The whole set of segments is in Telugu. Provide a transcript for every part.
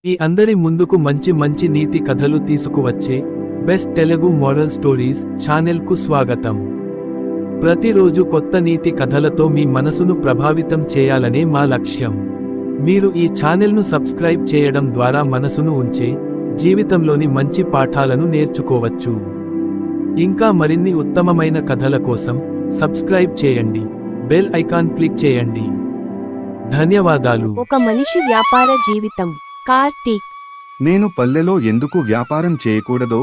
మీ అందరి ముందుకు మంచి మంచి నీతి కథలు తీసుకువచ్చే బెస్ట్ తెలుగు మోరల్ స్టోరీస్ ఛానెల్కు స్వాగతం. ప్రతిరోజు కొత్త నీతి కథలతో మీ మనసును ప్రభావితం చేయాలనే మా లక్ష్యం. మీరు ఈ ఛానెల్ను సబ్స్క్రైబ్ చేయడం ద్వారా మనసును ఉంచే జీవితంలోని మంచి పాఠాలను నేర్చుకోవచ్చు. ఇంకా మరిన్ని ఉత్తమమైన కథల కోసం సబ్స్క్రైబ్ చేయండి, బెల్ ఐకాన్ క్లిక్ చేయండి. ధన్యవాదాలు. ఒక మనిషి వ్యాపార జీవితం. కార్తీక్. నేను పల్లెలో ఎందుకు వ్యాపారం చేయకూడదో?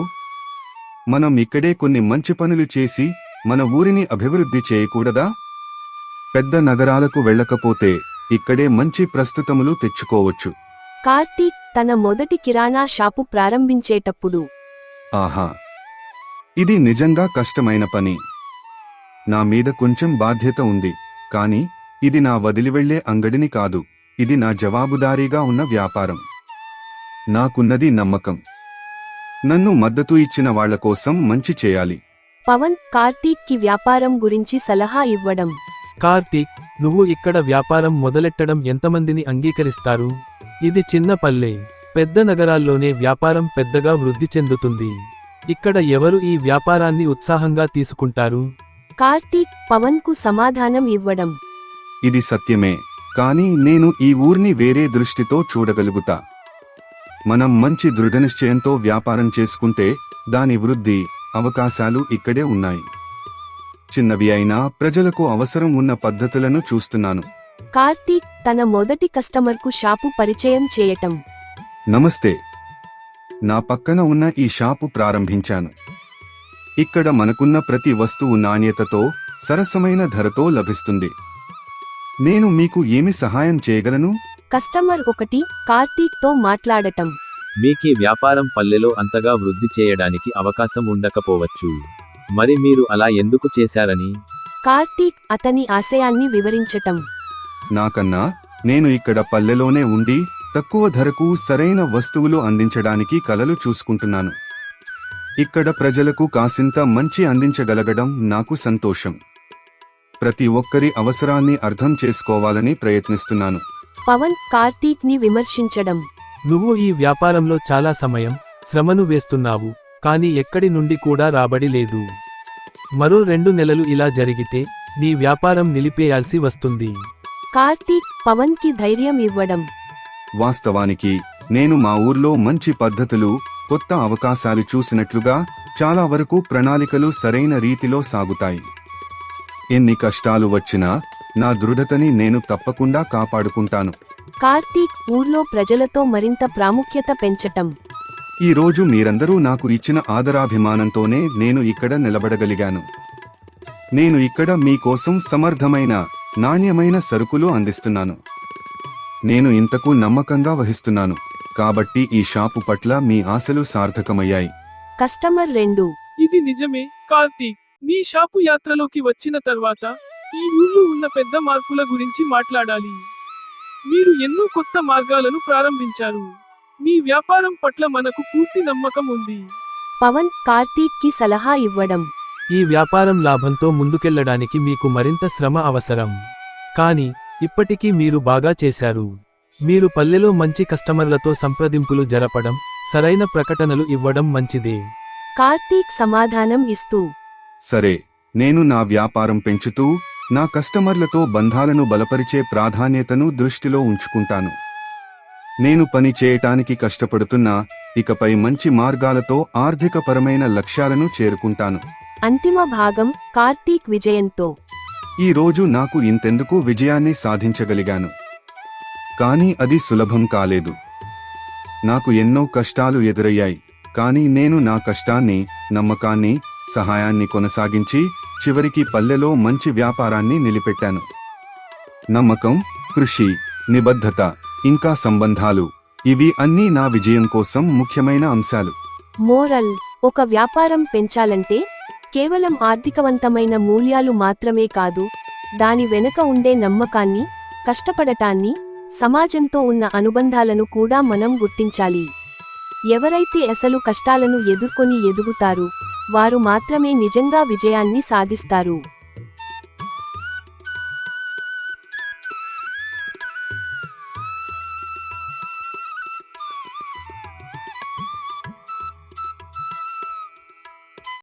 మనం ఇక్కడే కొన్ని మంచి పనులు చేసి మన ఊరిని అభివృద్ధి చేయకూడదా? పెద్ద నగరాలకు వెళ్ళకపోతే ఇక్కడే మంచి ప్రస్తుతములు తెచ్చుకోవచ్చు. కార్తీక్ తన మొదటి కిరాణా షాపు ప్రారంభించేటప్పుడు, ఆహా, ఇది నిజంగా కష్టమైన పని. నా మీద కొంచెం బాధ్యత ఉంది, కాని ఇది నా వదిలివెళ్లే అంగడిని కాదు, ఇది నా జవాబుదారీగా ఉన్న వ్యాపారం. నాకున్నది నమ్మకం. నన్ను మద్దతు ఇచ్చిన వాళ్ల కోసం మంచి చేయాలి. పవన్ కార్తీక్ కి వ్యాపారం గురించి సలహా ఇవ్వడం. కార్తీక్, నువ్వు ఇక్కడ వ్యాపారం మొదలెట్టడం ఎంతమందిని అంగీకరిస్తారు? ఇది చిన్న పల్లె. పెద్ద నగరాల్లోనే వ్యాపారం పెద్దగా వృద్ధి చెందుతుంది. ఇక్కడ ఎవరు ఈ వ్యాపారాన్ని ఉత్సాహంగా తీసుకుంటారు? కార్తీక్ పవన్ కు సమాధానం ఇవ్వడం. ఇది సత్యమే, కాని నేను ఈ ఊర్ని వేరే దృష్టితో చూడగలుగుతా. మనం మంచి దృఢనిశ్చయంతో వ్యాపారం చేసుకుంటే దాని వృద్ధి అవకాశాలు ఇక్కడే ఉన్నాయి. చిన్నవి అయినా ప్రజలకు అవసరం ఉన్న పద్ధతులను చూస్తున్నాను. కార్తీక్ తన మొదటి కస్టమర్కు షాపు పరిచయం చేయటం. నమస్తే, నా పక్కన ఉన్న ఈ షాపు ప్రారంభించాను. ఇక్కడ మనకున్న ప్రతి వస్తువు నాణ్యతతో సరసమైన ధరతో లభిస్తుంది. నేను మీకు ఏమి సహాయం చేయగలను? కస్టమర్ 1 కార్తీక్ తో మాట్లాడటం. మీకీ వ్యాపారం పల్లెలో అంతగా వృద్ధి చేయడానికి అవకాశం ఉండకపోవచ్చు. మరి మీరు అలా ఎందుకు చేశారని? కార్తీక్ అతని ఆశయాన్ని వివరించటం. నాకన్నా నేను ఇక్కడ పల్లెలోనే ఉండి తక్కువ ధరకు సరైన వస్తువులు అందించడానికి కలలు చూసుకుంటున్నాను. ఇక్కడ ప్రజలకు కాసింత మంచి అందించగలగడం నాకు సంతోషం. ప్రతి ఒక్కరి అవసరాన్ని అర్థం చేసుకోవాలని ప్రయత్నిస్తున్నాను. పవన్ కార్తీక్ ని విమర్శించడం. నువ్వు ఈ వ్యాపారంలో చాలా సమయం, శ్రమను వేస్తున్నావు, కానీ ఎక్కడి నుండి కూడా రాబడి లేదు. మరో 2 నెలలు ఇలా జరిగితే నీ వ్యాపారం నిలిపేయాల్సి వస్తుంది. కార్తీక్ పవన్ కి ధైర్యం ఇవ్వడం. వాస్తవానికి నేను మా ఊర్లో మంచి పద్ధతులు, కొత్త అవకాశాలు చూసినట్లుగా చాలా వరకు ప్రణాళికలు సరైన రీతిలో సాగుతాయి. ఎన్ని కష్టాలు వచ్చినా నా దృఢతని నేను తప్పకుండా కాపాడుకుంటాను. కార్తీక్ ఊర్లో ప్రజలతో మరింత ప్రాముఖ్యత పెంచటం. ఈ రోజు మీరందరూ నాకు ఇచ్చిన ఆదరాభిమానంతోనే నేను ఇక్కడ నిలబడగలిగాను. నేను ఇక్కడ మీకోసం సమర్థమైన, నాణ్యమైన సరుకులు అందిస్తున్నాను. నేను ఇంతకు నమ్మకంగా వహిస్తున్నాను, కాబట్టి ఈ షాపు పట్ల మీ ఆశలు సార్థకమయ్యాయి. కస్టమర్ 2. ఇది నిజమే కార్తీక్. నీ షాపు యాత్రలోకి వచ్చిన తర్వాత ఈ ఊళ్ళో ఉన్న పెద్ద మార్పుల గురించి మాట్లాడాలి. మీరు ఎన్నో కొత్త మార్గాలను ప్రారంభించారు. మీ వ్యాపారం పట్ల మనకు పూర్తి నమ్మకం ఉంది. పవన్ కార్తీక్ కి సలహా ఇవ్వడం. ఈ వ్యాపారం లాభంతో ముందుకెళ్లడానికి మీకు మరింత శ్రమ అవసరం. కానీ ఇప్పటికీ మీరు బాగా చేశారు. మీరు పల్లెలో మంచి కస్టమర్లతో సంప్రదింపులు జరపడం, సరైన ప్రకటనలు ఇవ్వడం మంచిదే. కార్తీక్ సమాధానం ఇస్తూ, సరే, నేను నా వ్యాపారం పెంచుతూ నా కస్టమర్లతో బంధాలను బలపరిచే ప్రాధాన్యతను దృష్టిలో ఉంచుకుంటాను. నేను పని చేయటానికి కష్టపడుతున్నా ఇకపై మంచి మార్గాలతో ఆర్థికపరమైన లక్ష్యాలను చేరుకుంటాను. అంతిమ భాగం కార్తీక్ విజయంతో. ఈ రోజు నాకు ఇంతెందుకు విజయాన్ని సాధించగలిగాను. కానీ అది సులభం కాలేదు. నాకు ఎన్నో కష్టాలు ఎదురయ్యాయి, కానీ నేను నా కష్టాన్ని, నమ్మకాన్ని, సహాయాన్ని కొనసాగించి చివరికి పల్లెలో మంచి వ్యాపారాన్ని నిలిపెట్టాను. నమ్మకం, కృషి, నిబద్ధత, ఇంకా సంబంధాలు, ఇవి అన్నీ నా విజయం కోసం ముఖ్యమైన అంశాలు. మోరల్: ఒక వ్యాపారం పెంచాలంటే కేవలం ఆర్థికవంతమైన మూల్యాలు మాత్రమే కాదు, దాని వెనుక ఉండే నమ్మకాన్ని, కష్టపడటాన్ని, సమాజంతో ఉన్న అనుబంధాలను కూడా మనం గుర్తించాలి. ఎవరైతే అసలు కష్టాలను ఎదుర్కొని ఎదుగుతారు, వారు మాత్రమే నిజంగా విజయాన్ని సాధిస్తారు.